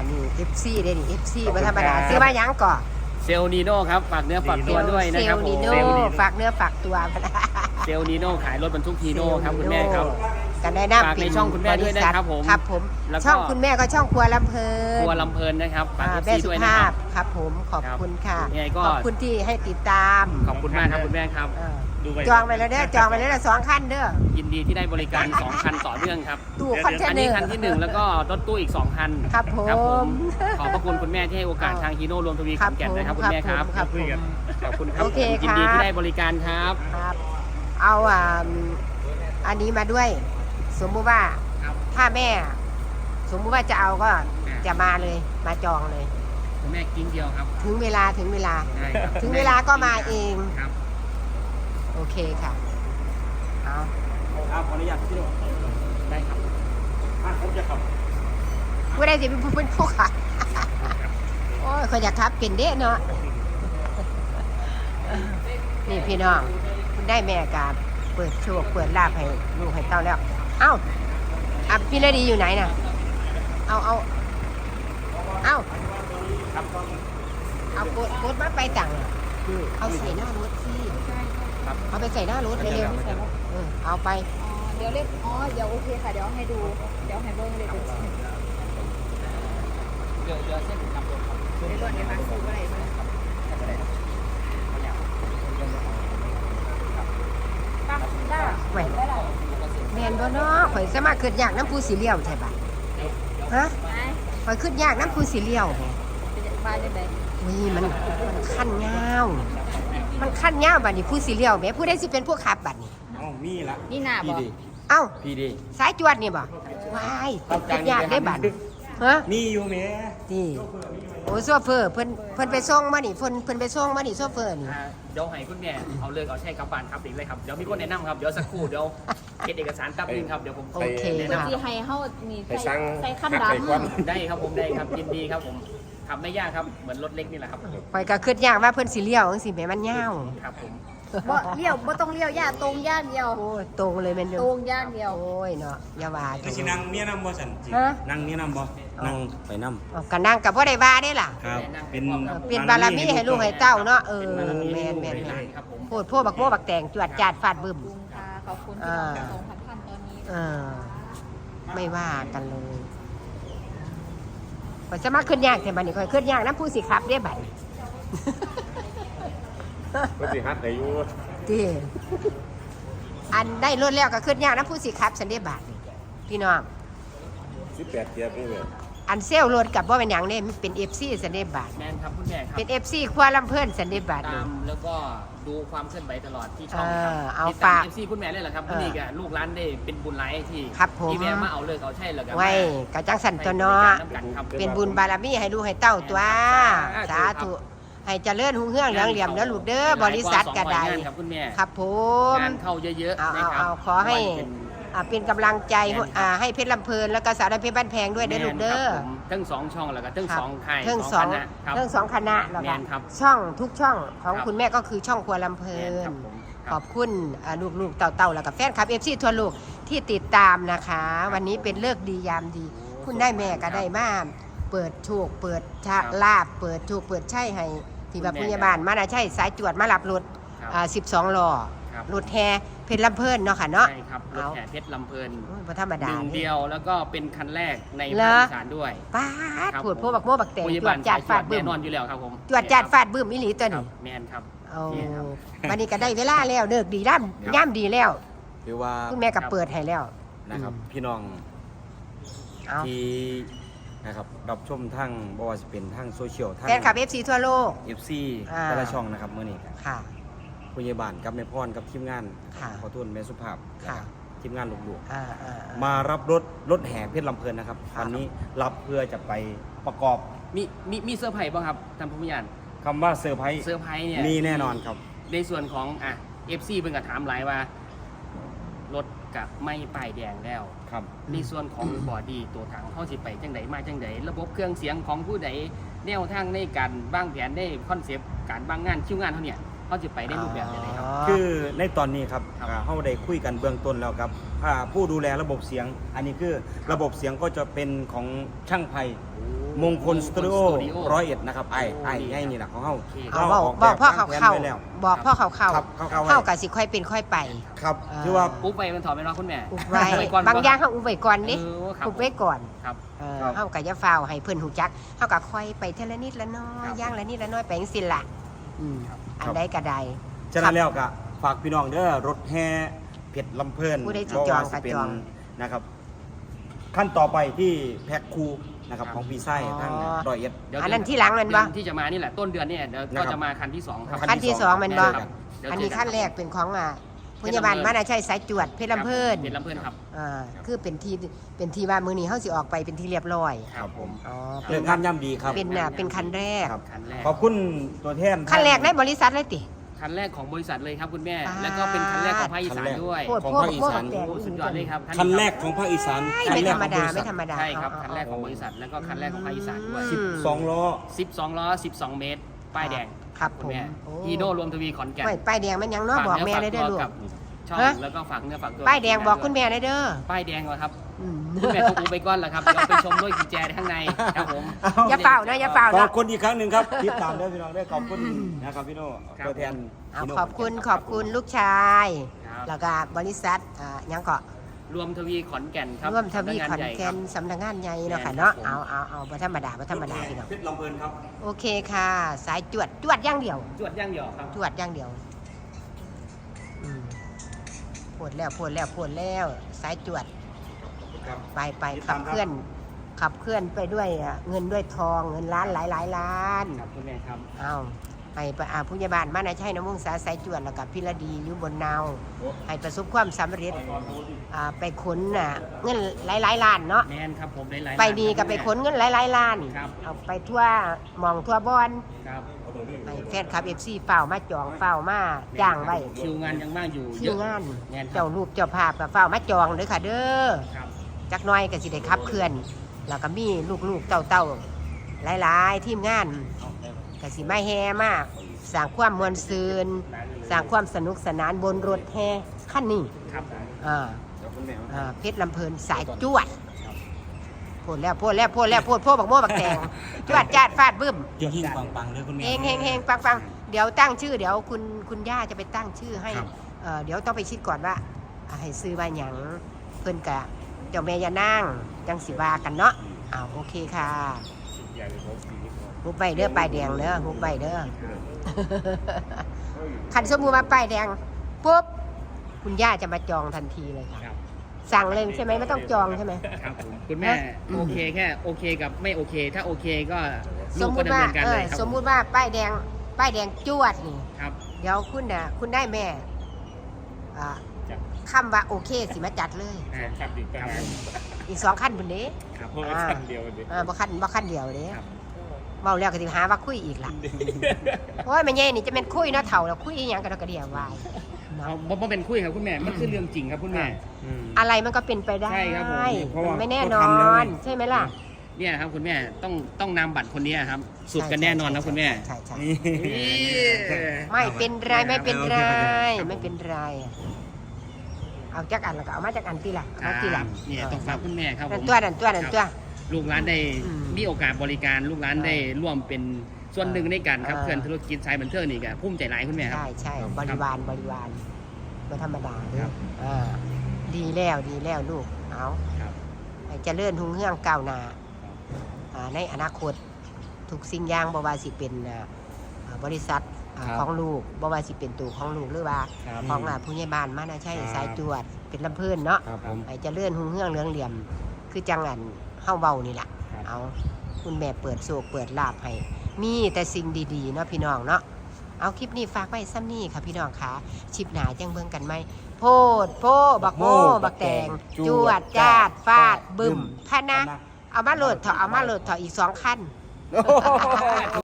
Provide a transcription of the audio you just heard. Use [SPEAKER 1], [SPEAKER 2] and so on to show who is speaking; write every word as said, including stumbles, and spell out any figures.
[SPEAKER 1] นนี้ เอฟ ซี เด้นี่ เอฟ ซี บ่ธรรมดาซื้อมาหยังก่อ
[SPEAKER 2] เซลนีโน่ครับฝากเนื้อฝากตัวด้วยนะครับผม
[SPEAKER 1] เซลนีโน่ฝากเนื้อฝากตัว
[SPEAKER 2] เซลนีโน่ขายรถบรรทุกทีโน่ครับคุณแม่ครับ
[SPEAKER 1] กันได้น้ำ
[SPEAKER 2] ฝากในช่องคุณแม่ด้วยนะครับผม
[SPEAKER 1] ครับผมช่องคุณแม่ก็ช่องครัวลำเพลิน
[SPEAKER 2] ครัวลำเพลินนะครับฝาก
[SPEAKER 1] แม่
[SPEAKER 2] ซี
[SPEAKER 1] สุ
[SPEAKER 2] ด้วยนะ
[SPEAKER 1] ภา
[SPEAKER 2] ครั
[SPEAKER 1] พ
[SPEAKER 2] บ
[SPEAKER 1] ครับผมขอบคุณค่ะ
[SPEAKER 2] ยังไงก็
[SPEAKER 1] ขอบคุณที่ให้ติดตาม
[SPEAKER 2] ขอบคุณมากครับคุณแม่ครับ
[SPEAKER 1] เออจองไปแล้วเด้อจองไปแล้วเด้อสองคันเด้อ
[SPEAKER 2] ยินดีที่ได้บริการสองคันต่อเนื่องครับ
[SPEAKER 1] ตู้คอนเทน
[SPEAKER 2] อัน
[SPEAKER 1] เนอ
[SPEAKER 2] นี้
[SPEAKER 1] ร์
[SPEAKER 2] คันที่หนึ่งแล้วก็รถตู้อีกสองคัน
[SPEAKER 1] ครับผม
[SPEAKER 2] ขอบพระคุณคุณแม่ที่ให้โอกาสทางฮีโน่รวมทวีขอนแก่นนะครับคุณแม่ครับ
[SPEAKER 1] ครับผม
[SPEAKER 2] ขอบคุณครับ
[SPEAKER 1] โอเค
[SPEAKER 2] ยินดีที่ได้บริการครับ
[SPEAKER 1] ครับ เอาอ่าอันนี้มาด้วย สมมุติว่า
[SPEAKER 2] ครับ
[SPEAKER 1] ถ้าแม่ สมมุติว่าจะเอาก็จะมาเลย มาจองเลย
[SPEAKER 2] คุณแม่กิ้งเดียวครับ
[SPEAKER 1] ถึงเวลาถึงเวลา
[SPEAKER 2] ได้ครับ
[SPEAKER 1] ถึงเวลาก็มาเอง
[SPEAKER 2] ครับ
[SPEAKER 1] โอเคค่ะ เอา
[SPEAKER 3] ครับขออนุญาตพี่โน่
[SPEAKER 2] ได้ครับ
[SPEAKER 3] อ่ะผมจะขับ
[SPEAKER 1] ผู้ใดจะเป็นผู้เป็นผู้ขับ โอ้ยคนอยากขับเป็นเด้เนาะ นี่พี่น้องคุณได้แม่กาเปิดโชคเปิดลาภให้ลูกให้เต้าแล้ว เอ้าอ่ะพี่นาดีอยู่ไหนน่ะ เอาเอาเอาเอาโกดโกดมาไปต่างอ่ะเอาใส่หน้ารถสิเอาไปใส่หน้ารถเร็วๆเออเอาไป
[SPEAKER 4] เดี๋ยวเรียกอ๋อ เดี๋ยวโอเคค่ะ เดี๋ยวให้ดู เดี๋ยวให้เบิ้งเลยดู
[SPEAKER 2] เดี๋ยวเดี๋ยวเส้นนำตัวครับ
[SPEAKER 4] เดี๋ยวก่อนเดี๋ยวมาซื้ออะไรมาปั๊บได้
[SPEAKER 1] แหวน
[SPEAKER 4] ได้หรอ
[SPEAKER 1] แมนบ่เนาะข่อยสามารถขึ้นยากน้ำผู้สีเหลี่ยวใช่ปะฮะ
[SPEAKER 4] ไหน
[SPEAKER 1] ข่อยขึ้นยากน้ำผู้สีเหลี่ยว
[SPEAKER 4] จะบ้านได้ไหม
[SPEAKER 1] อุ้ยมันมันขั้นเงาวมันขั้นเงาวบัดนี้ผู้สีเหลี่ยวแหม่ผู้ได้สิเป็นผู้ขับบัดนี้
[SPEAKER 3] อ๋อมีละ
[SPEAKER 4] นี่หน้าบอก
[SPEAKER 1] เอ้า
[SPEAKER 2] พี่ดี
[SPEAKER 1] สายจวดนี่บ่ว้ายขึ้นยากได้บัดฮะ
[SPEAKER 3] มีอยู่แม่
[SPEAKER 1] นี่โอ้โซเฟอร์เพิ่นเพิ่นไปส่งมานี่เพิ่นเพิ่นไปส่งมานี่โซเฟอร์นี่
[SPEAKER 2] อ่าเดี๋ยวให้คุณแม่เอาเลิกเอาแช่กลับบ้านครับเด็กเลยครับเดี๋ยวมีคนแนะนำครับเดี๋ยวสักครู่เดี๋ยวเก็บเอกสารแป๊บนึงครับเดี๋ยวผม
[SPEAKER 1] โอเค
[SPEAKER 2] แนะ
[SPEAKER 4] เมื่อน
[SPEAKER 2] ำ
[SPEAKER 4] กี้ให้เฮามี
[SPEAKER 3] ให้
[SPEAKER 4] ใส่
[SPEAKER 3] สั่ง
[SPEAKER 4] ใส่ขั้น
[SPEAKER 3] หัก
[SPEAKER 4] ด
[SPEAKER 3] ไข่ควัน
[SPEAKER 2] ได้ครับผมได้ครับยินดีครับผมขับไม่ยากครับเหมือนรถเล็กนี่แหละครับ
[SPEAKER 1] ข่อยก็ขึ้นยากว่าเพิ่นสิเลี้ยวจังซี่แหมมันยาว
[SPEAKER 2] ครับผม
[SPEAKER 4] ำบ่เลี้ยวบ่ต้องเลี้ยวย่าตรงย่านเดียว
[SPEAKER 1] โอ้ยตรงเลยแม่นอยู่
[SPEAKER 4] ตรงย่านเดียว
[SPEAKER 1] โอ้ยเนาะอย่าว่า
[SPEAKER 3] ไม่ใช่นั่งเมียน้ำบ่สันจิ
[SPEAKER 1] ฮะ
[SPEAKER 3] นั่งเมียน้ำบ่นั่งไปน้
[SPEAKER 1] เอาก็นั่งกับบ่ได้ว่าเด้ล่ะ
[SPEAKER 3] ำครับ เป็น
[SPEAKER 1] เออเป็นบารมีให้ลูกให้เต้าเนาะเออ
[SPEAKER 3] เป็นบารมี
[SPEAKER 1] แม่นแม่น
[SPEAKER 3] ให้
[SPEAKER 1] แม่
[SPEAKER 3] ได้
[SPEAKER 1] น
[SPEAKER 2] ครับผม
[SPEAKER 1] พูดพวกบักโม่บักแตงจวดจาดฟาดบึ้ม
[SPEAKER 4] ลุงค่ะขอบคุณที่เราสองพันพันตอนนี้
[SPEAKER 1] เออไม่ว่ากันเลยข่อยจะมาขึ้นยากแต่บัดนี้ข่อยขึ้นยากน้ำผู้สิครับเด้บัดนี้
[SPEAKER 3] ก็สิฮัดได้อยู่
[SPEAKER 1] ติอันได้รถแล้วก็ขึ้นยากน้ำผู้สิครับสันเด้บัดนี้พี่น้อง
[SPEAKER 3] สิบแปดเทียบนี่เลย
[SPEAKER 1] อันเซลรถกับบ่เป็นหยังเด้มันเป็น เอฟ ซี สันเด้บัด
[SPEAKER 2] แมนครับคุณแม่ครับ
[SPEAKER 1] เป็น เอฟ ซี ครัวลำเพิ่นสันเด้บัด
[SPEAKER 2] ตา
[SPEAKER 1] นี่
[SPEAKER 2] มแล้วก็ดูความเคลื่อนไหวตลอดที่ช่อง
[SPEAKER 1] เออ
[SPEAKER 2] ครับ
[SPEAKER 1] เอา
[SPEAKER 2] ติดตาม
[SPEAKER 1] ฝาก
[SPEAKER 2] เอฟซีคุณแม่เลยเหรอครับ
[SPEAKER 1] เออ
[SPEAKER 2] นี่ก็ลูกร้านได้เป็นบุญไลท์ที่
[SPEAKER 1] ครับผม
[SPEAKER 2] ที่แม่มาเอาเลิกเอาใช่เหรอครับ
[SPEAKER 1] ไว้กะจังสันตัวเนาะ เป็นบุญบารมีให้ลูกให้เต้าตัว สาธุให้เจริญหุ่งเฮืองเหลืองเหลี่ยมแล้วลูกเด้อบริษัทก็ได้
[SPEAKER 2] ครับคุณแม่
[SPEAKER 1] ครับผม
[SPEAKER 2] งานเข้าเยอะ
[SPEAKER 1] เอา
[SPEAKER 2] ๆนะ
[SPEAKER 1] เอา
[SPEAKER 2] ครั
[SPEAKER 1] เอาขอให้
[SPEAKER 2] เป็น
[SPEAKER 1] อ่าเป็นกำลังใจ
[SPEAKER 2] แม่นครับ
[SPEAKER 1] อ่าให้เพชรลำเพลินแล้วก็สาวน้อยเพชรบ้านแพงด้วยเด้อลูกเด้อ
[SPEAKER 2] แม่นครับผมทั้งสองช่องแล้วก็ทั้ง
[SPEAKER 1] ครับ
[SPEAKER 2] สองค่าย
[SPEAKER 1] เรื่องสอง
[SPEAKER 2] คณะครับ
[SPEAKER 1] เรื่องสองคณะแล้ว
[SPEAKER 2] แม่
[SPEAKER 1] ก็
[SPEAKER 2] นครับ
[SPEAKER 1] ช่องทุกช่องของ
[SPEAKER 2] ครับ
[SPEAKER 1] คุณแม่ก็คือช่องครัวลำเพลิ
[SPEAKER 2] แม่น
[SPEAKER 1] น
[SPEAKER 2] ครับผม
[SPEAKER 1] ขอบคุณอ่าลูกๆเต่าๆแล้วก็แฟนคลับเอฟซีทั่วโลกที่ติดตามนะคะ วันนี้เป็นเลิกษ์ดียามดี คุณได้แม่ก็ได้มาเปิดโชคเปิดชะลาบเปิดโชคเปิดใช่ให้ที่ว่าพยาบาลมานะใช่สายจวดมารับรถ
[SPEAKER 2] ครับ
[SPEAKER 1] อ่าสิบสองล้อ
[SPEAKER 2] ครับ
[SPEAKER 1] รถแฮเพชรลำเพลินเนาะค่ะเนาะ
[SPEAKER 2] ใช่ครับรถ
[SPEAKER 1] เอา
[SPEAKER 2] แห่เพชรลำเพลิน
[SPEAKER 1] โอ้ยบ่ธรรม
[SPEAKER 2] ห
[SPEAKER 1] ดา
[SPEAKER 2] นึ่ง
[SPEAKER 1] เนี่
[SPEAKER 2] เดี
[SPEAKER 1] ย
[SPEAKER 2] ยวแล้วก็เป็นคันแรกใน
[SPEAKER 1] เหร
[SPEAKER 2] ภา
[SPEAKER 1] อ
[SPEAKER 2] คอีสานด้วย
[SPEAKER 1] ป้าด
[SPEAKER 2] ครับ
[SPEAKER 1] ปวดพวกบักโม่บักแตง
[SPEAKER 2] พ
[SPEAKER 1] จ
[SPEAKER 2] ยาว บา
[SPEAKER 1] ด
[SPEAKER 2] ล
[SPEAKER 1] จาดฟาดบึ้
[SPEAKER 2] แน่
[SPEAKER 1] ม
[SPEAKER 2] นอนอยู่แล้วครับผม
[SPEAKER 1] จวดจาดฟาดบึ้มอีหลีตัว
[SPEAKER 2] ครั
[SPEAKER 1] นี้
[SPEAKER 2] บแมนครับ
[SPEAKER 1] เอา
[SPEAKER 2] เนี่ยครับ
[SPEAKER 1] วันนี้ก็ได้เวลาแล้วเลิกดีร่ำย่ำดีแล้ว
[SPEAKER 3] หรือว่า
[SPEAKER 1] คุณแม่ก็เปิดให้แล้ว
[SPEAKER 3] นะครับ พี่น้อง
[SPEAKER 1] เอา
[SPEAKER 3] ที่นะครับรับชมทั้งบ่ว่าจะเป็นทั้งโซเชียลทั้ง
[SPEAKER 1] แฟนคลับ เอฟ ซี ทั่วโลก
[SPEAKER 3] เอฟซี
[SPEAKER 1] อ่า
[SPEAKER 3] แต่ละช่องนะครับมื้อนี้ครับ
[SPEAKER 1] ค่ะ
[SPEAKER 3] พยาบาลกับแม่พรกับทีมงาน
[SPEAKER 1] ค่ะ
[SPEAKER 3] ขอโทษแม่สุภาพ
[SPEAKER 1] ค่ะ
[SPEAKER 3] ทีมงานลูก
[SPEAKER 1] อ่าอ่า
[SPEAKER 3] ๆ
[SPEAKER 1] อ่า
[SPEAKER 3] มารับรถรถแห่เพชรลำเพลินนะครับ
[SPEAKER 1] ครับ
[SPEAKER 3] วันนี้รับเพื่อจะไปประกอบ
[SPEAKER 2] มีมีมีเซอร์ไพรส์บ้างครับท่านผู้มีญาณ
[SPEAKER 3] คำว่าเซอร์ไพรส์
[SPEAKER 2] เซอร์ไพรส์เนี่ย
[SPEAKER 3] มีแน่นอนครับ
[SPEAKER 2] ในส่วนของอ่ะ เอฟ ซี เพิ่งก็ถามหลายว่ารถกับไม่ป้ายแดงแล้ว
[SPEAKER 3] ครับ
[SPEAKER 2] ในส่วนของ บอดี้ตัวถังเขาสิไปจังไดมาจังไดระบบเครื่องเสียงของผู้ใดแนวทางในการวางแผนได้คอนเซปต์การวางงานคิวงานเขาเนี่ยเขาจะไปได้รูปแบบไหนครับ
[SPEAKER 3] คือในตอนนี้ครับ
[SPEAKER 2] ครับ
[SPEAKER 3] อ่าเขาได้คุยกันเบื้องต้นแล้วครับอ่าผู้ดูแลระบบเสียง อันนี้คือระบบเสียงก็จะเป็นของช่างไพ
[SPEAKER 2] โอ้
[SPEAKER 3] มงคลสตูดิโอ
[SPEAKER 2] มงคลสตูดิโอ
[SPEAKER 3] ร้อยเอ็ดนะครับไอ้
[SPEAKER 2] โอ้
[SPEAKER 3] ไอ้
[SPEAKER 2] ดี
[SPEAKER 3] ไงนี่แหละของเฮา
[SPEAKER 2] โอเค
[SPEAKER 1] เอา
[SPEAKER 3] เรา
[SPEAKER 1] บอก
[SPEAKER 3] ออก
[SPEAKER 1] บอก
[SPEAKER 3] แบบ
[SPEAKER 1] พ่อเขา
[SPEAKER 3] วางแผน
[SPEAKER 1] เข้า
[SPEAKER 3] ไว้แล้ว
[SPEAKER 1] บอกพ่อเขาเข้า
[SPEAKER 3] ครับเข้าๆไว้
[SPEAKER 1] เข้ากับสิค่อยเป็นค่อยไป
[SPEAKER 3] ครับ
[SPEAKER 1] อ่า
[SPEAKER 3] คือว่า
[SPEAKER 2] ปุ๊บไปมันถอดไปเนาะคุณแม่
[SPEAKER 1] อุบไว้
[SPEAKER 2] ไว้ก่อน
[SPEAKER 1] บางอย่างเขาอุบไว้ก่อนดิ
[SPEAKER 2] เออครับ
[SPEAKER 1] อุบไว้ก่อน
[SPEAKER 2] ครับ
[SPEAKER 1] เออ
[SPEAKER 3] ครับ
[SPEAKER 1] เฮากับยาฟ้าวให้เพิ่นหูจักเฮากับค่อยไปเทละนิดละน้อ
[SPEAKER 2] ครั
[SPEAKER 1] ย
[SPEAKER 2] บ
[SPEAKER 1] ย่างละนิดละน้อยไปจังซี่ล่ะอืม
[SPEAKER 2] ครับ
[SPEAKER 1] อันใดก็ได้
[SPEAKER 3] ฉะนั้นแล้วก็ฝากพี่น้องเด้อรถแห่เพชรลำเพลิน
[SPEAKER 1] ผู้ใดสิ
[SPEAKER 3] บ่
[SPEAKER 1] จอง
[SPEAKER 3] ว่าสิเป็น
[SPEAKER 1] ก็จอง
[SPEAKER 3] นะครับ ขั้นต่อไปที่แพ็คคูนะครับ
[SPEAKER 2] ครับ
[SPEAKER 3] ของพี่ไส้
[SPEAKER 1] อ๋อ
[SPEAKER 3] ทั้งร้อยเอ็ด
[SPEAKER 2] เดี๋ยว
[SPEAKER 1] อันนั้นที่หลังแมันบ่
[SPEAKER 2] เดือที่จะมานี่แหละต้นเดือนเนี่ยเดี๋ยว
[SPEAKER 3] นะครั
[SPEAKER 2] ก็
[SPEAKER 3] บ
[SPEAKER 2] จะมาคันที่สองครับ
[SPEAKER 1] ขั้นที่สองแมันบ่
[SPEAKER 2] ครับเดี๋ยว
[SPEAKER 1] อันนี้
[SPEAKER 2] เจกั
[SPEAKER 1] ขั้นแรกเป็นของอ่ะพยาบาลมานาชัยสายจวดเพชรลำเพิ่น
[SPEAKER 2] เป็นลำเพิ่นครับ
[SPEAKER 1] อ่าคือเป็นทีเป็นทีว่ามื้อนี้เฮาสิออกไปเป็นที่เรียบร้อย
[SPEAKER 3] ครับผม
[SPEAKER 1] อ๋อ
[SPEAKER 3] เรื่องงานย่ำดีครับ
[SPEAKER 1] เป็นน่ะเป็นคันแรก
[SPEAKER 3] ครับ
[SPEAKER 2] คันแรก
[SPEAKER 3] ขอบคุณตัวแทน
[SPEAKER 1] คันแรกในบริษัทเลยติ
[SPEAKER 2] คันแรกของบริษัทเลยครับคุณแม่
[SPEAKER 1] อ่า
[SPEAKER 2] แล้วก็เป็นคันแรกของภาคอีสานด้วย
[SPEAKER 1] โคตร
[SPEAKER 3] ของ
[SPEAKER 1] พวก
[SPEAKER 3] ภาคอี
[SPEAKER 1] พวก
[SPEAKER 3] สาน
[SPEAKER 1] แตก
[SPEAKER 2] โอ้สุดยอดเลยครับ
[SPEAKER 3] คันแรกของภาคอีสาน
[SPEAKER 1] ไม่
[SPEAKER 3] คันแร
[SPEAKER 1] ธ
[SPEAKER 3] ก
[SPEAKER 1] รร
[SPEAKER 3] ข
[SPEAKER 1] ม
[SPEAKER 3] องบ
[SPEAKER 1] ดา
[SPEAKER 3] ริษั
[SPEAKER 1] ไม่
[SPEAKER 3] ท
[SPEAKER 1] ธรรมดา
[SPEAKER 2] ใช่ครับ
[SPEAKER 1] เอา
[SPEAKER 2] คันแรกของบริษัทแล้วก็คันแรกของภาคอีสานด้วย
[SPEAKER 1] อืม
[SPEAKER 3] สองล้อ
[SPEAKER 2] สิบสองล้อสิบสองเมตร ป้ายแดง
[SPEAKER 1] ครับ
[SPEAKER 2] คุ
[SPEAKER 1] ผ
[SPEAKER 2] ณ
[SPEAKER 1] ม
[SPEAKER 2] แม่
[SPEAKER 1] โอ้
[SPEAKER 2] ฮีโน่รวมทวีขอนแก่น
[SPEAKER 1] ไม่ป้ายแดงมันยังเนาะบอกแม่ได้เด้อลูก
[SPEAKER 2] ฝากเนื้อฝากตัวกับช่อง
[SPEAKER 1] ฮะ
[SPEAKER 2] แล้วก็ฝากเนื้อฝากตัว
[SPEAKER 1] ป้ายแดงบอกคุณแม่ได้เด้อ
[SPEAKER 2] ป้ายแดงเหรอครับ
[SPEAKER 1] อืม
[SPEAKER 2] คุณแม่ต้องอูไปก่อนเหรอครับเดี๋ยวไปชมด้วยกุญแจข้างในครับผม
[SPEAKER 1] อย่าเป่านะอย่าเป่า
[SPEAKER 3] ขอ
[SPEAKER 1] นะ
[SPEAKER 3] บคุณอีกครั้งหนึ่งครับติดตามด้วยพี่น้องด้วยขอบคุณนะครับพี่โน่
[SPEAKER 2] ครับ
[SPEAKER 3] ตัวแทน
[SPEAKER 1] เอา
[SPEAKER 3] พี่โน่
[SPEAKER 1] ขอบคุณขอบคุณลูกชาย
[SPEAKER 2] ครับ
[SPEAKER 1] แล้วก็บริษัทอ่ายังก็
[SPEAKER 2] รวมทวีขอนแก่นครับ
[SPEAKER 1] ร่วมทวีขอน
[SPEAKER 2] สำกงาใหญ่
[SPEAKER 1] แก่
[SPEAKER 2] รับ
[SPEAKER 1] นสำนักงานใหญ่เนาะค่ะ
[SPEAKER 2] แม่น
[SPEAKER 1] เนาะ
[SPEAKER 2] ครับผม
[SPEAKER 1] เอาเอาเอาบ่ธรรมดาบ่ธรรมดาพี่น้อง
[SPEAKER 3] เพชรลำเพลินครับ
[SPEAKER 1] โอเคค่ะ สายจวดจวดอย่างเดียว
[SPEAKER 2] จวดย่างเดียวครับ
[SPEAKER 1] จวดอย่างเดียวอืมปวดแล้วปวดแล้วปวดแล้วสายจวด
[SPEAKER 3] ครับ
[SPEAKER 1] ไปไป
[SPEAKER 3] ติด
[SPEAKER 1] ขั
[SPEAKER 3] ตา
[SPEAKER 1] บ
[SPEAKER 3] มครับ
[SPEAKER 1] เคลื่อน ขับเคลื่อนไปด้วยอ่ะเงินด้วยทองเงินล้านหลายหลายล้าน
[SPEAKER 2] ครับคุณแม่ครับ
[SPEAKER 1] เอาให้ประอาผู้ใหญ่บ้านมานาชัยน้ำวงศาสายจวนแล้วกับพิรดีอยู่บนนาวให้ประสบความสำเร็จอ่าไปขนน่ะเงินหลายหลายๆล้านเนาะ
[SPEAKER 2] แมนครับผมหลายๆ
[SPEAKER 1] ไปดีกับไปขนเงินหลายหลายๆล้าน
[SPEAKER 2] ครับ
[SPEAKER 1] เอาไปทั่วหมองทั่วบอน
[SPEAKER 2] ครับ
[SPEAKER 1] ให้แฟนคลับเอฟซีเฝ้ามาจองเฝ้ามาจ้างไว้
[SPEAKER 2] คิวงานยังว่างอยู่
[SPEAKER 1] คิ
[SPEAKER 2] เยว อะ
[SPEAKER 1] งาน
[SPEAKER 2] แมนครับ
[SPEAKER 1] เจ้ารูปเจ้าภาพก็เฝ้ามาจองเลยค่ะ เด้อ
[SPEAKER 2] ครับ
[SPEAKER 1] จักหน้อยก็สิได้ขับเคลื่อน แล้วก็มีลูกๆเต้าๆหลายๆทีมงานก็สิมาแห่มากสร้างความมวลซืนสร้างความสนุกสนานบนรถแห่คันนี้
[SPEAKER 2] ครับผม
[SPEAKER 1] อ่า
[SPEAKER 3] เดี๋ยวคุณแม่
[SPEAKER 1] อ่าเพชรลำเพลินสายจวดพูดแล้วพูดแล้วพูดแล้วพูดพวกบักโม่บักแตงจวดจาดฟาดบึ้ม
[SPEAKER 3] ยิ่งยิ่งปังปังๆเลยคุณแม่
[SPEAKER 1] เฮงเฮงเฮงปังปังเดี๋ยวตั้งชื่อเดี๋ยวคุณคุณย่าจะไปตั้งชื่อให้
[SPEAKER 3] ครับ
[SPEAKER 1] เอ่อเดี๋ยวต้องไปคิดก่อนว่าอ่าให้ซื้อบ้านหยังเพิ่นกะเจ้าแม่ยานั่งจังสิว่ากันเนาะอ้าวโอเคค่ะหุบใบเด้อป้ายแดงเด้อหุบใบเด้อ คันสมมุติว่าป้ายแดงปุ๊บคุณย่าจะมาจองทันทีเลยค่ะ
[SPEAKER 2] ครับ
[SPEAKER 1] สั่งเลยใช่ไหมไม่ต้องจองใช่ไหม
[SPEAKER 2] ครับผมคุณแม่โอเคแค่โอเคกับไม่โอเค ถ้าโอเคก็
[SPEAKER 1] ส
[SPEAKER 2] ลู
[SPEAKER 1] ม
[SPEAKER 2] ก
[SPEAKER 1] มุ
[SPEAKER 2] ก็
[SPEAKER 1] ติ
[SPEAKER 2] ดำ
[SPEAKER 1] ว่า
[SPEAKER 2] เนินการ
[SPEAKER 1] เอ
[SPEAKER 2] เล
[SPEAKER 1] อย
[SPEAKER 2] ครับ
[SPEAKER 1] สมมุติว่าป้ายแดงป้ายแดงจวดนี่
[SPEAKER 2] ครับ
[SPEAKER 1] เดี๋ยวคุณน่ะคุณได้แม่อ่า
[SPEAKER 2] จับ
[SPEAKER 1] คำว่าโอเคสิมาจัดเลย
[SPEAKER 2] อ่าครับครับผม
[SPEAKER 1] อีกสองขั้นบุญเด้
[SPEAKER 2] ครับ
[SPEAKER 1] อ่าอ่าบ่ขั้นบ่ขั้นเดียวเด้
[SPEAKER 2] ครับ
[SPEAKER 1] เมาแล้วก็สิหาว่าคุยอีกล่ะโอ้ยแม่ใหญ่นี่จะเป็นคุยเนาะเฒ่าแล้วคุยอีหยังกันก็เดียววายเนาะ
[SPEAKER 2] เอาบ่บ่เป็นคุยครับคุณแม่มันคือเรื่องจริงครับคุณแม่
[SPEAKER 3] อืม
[SPEAKER 1] อะไรมันก็เป็นไปได้
[SPEAKER 2] ใช่ครับผม
[SPEAKER 3] เพราะว่า
[SPEAKER 1] มันไม่แน่น
[SPEAKER 3] ก็
[SPEAKER 1] อ
[SPEAKER 3] ทำแล้วไง
[SPEAKER 1] น ใช่ไหมล่ะ
[SPEAKER 2] เนี่ยครับคุณแม่ต้องต้องนำบัตรคนนี้ครับ สุดกันแน่นอนนะคุณแม่
[SPEAKER 1] ใช่ใช่
[SPEAKER 3] นี่
[SPEAKER 1] ไม่เป็นไรไม่เป็นไร
[SPEAKER 3] ครับ
[SPEAKER 1] ไม่เป็นไรเอาจักอันแล้วก็เอามาจักอันทีละ
[SPEAKER 2] ค
[SPEAKER 1] เอา
[SPEAKER 2] รับ
[SPEAKER 1] ทีละ
[SPEAKER 2] เนี่ยต้องฝากคุณแม่ครับผ
[SPEAKER 1] นั่น
[SPEAKER 2] ม
[SPEAKER 1] ตัวนั่นตัวนั่นตัว
[SPEAKER 2] ลูกร้านได้
[SPEAKER 1] อืม
[SPEAKER 2] มีโอกาสบริการลูกร้าน
[SPEAKER 1] อ่า
[SPEAKER 2] ได้ร่วมเป็นส่วนหนึ่งในการครับ
[SPEAKER 1] อ่า
[SPEAKER 2] เพื่อนธุรกิจสายบันเทิงนี่ก็ภูมิใจหลายคุณแม่ครับ
[SPEAKER 1] ใช่ใช่บริวารบริวารก็ธรรมดาเด้
[SPEAKER 2] ครับ
[SPEAKER 1] อ่าดีแล้วดีแล้วลูกเอา
[SPEAKER 2] ครับ
[SPEAKER 1] ให้เจริญหุ่งเฮืองก้าวหน้าอ่าในอนาคตทุกสิ่งอย่างบ่ว่าสิเป็นอ่าอ่าบริษัทอ่า
[SPEAKER 2] ครับ
[SPEAKER 1] ของลูกบ่ว่าสิเป็นตัวของลูกหรือว่า
[SPEAKER 2] ครับ
[SPEAKER 1] ของอ่าผู้ใหญ่บ้านมานะใช่
[SPEAKER 3] ครับ
[SPEAKER 1] สายจวดเป็นลำเพิ่นเนาะ
[SPEAKER 3] ครับผม
[SPEAKER 1] ให้เจริญหุ่งเฮืองเหลืองเหลี่ยม คือจังอันเฮาเว้านี่แหละ
[SPEAKER 2] ครับ
[SPEAKER 1] เอาคุณแม่เปิดโศกเปิดลาบให้มีแต่สิ่งดีๆเนาะพี่น้องเนาะเอาคลิปนี้ฝากไว้ซ้ำนี่ค่ะพี่น้องค่ะชิปหนาจังเบิ่งกันไหมโพดโพบักโมบักแตงจวดจาดฟาดบึ้มพะนะ เอามาโหลดเถอะเอามาโหลดเถอะอีกสองขั้น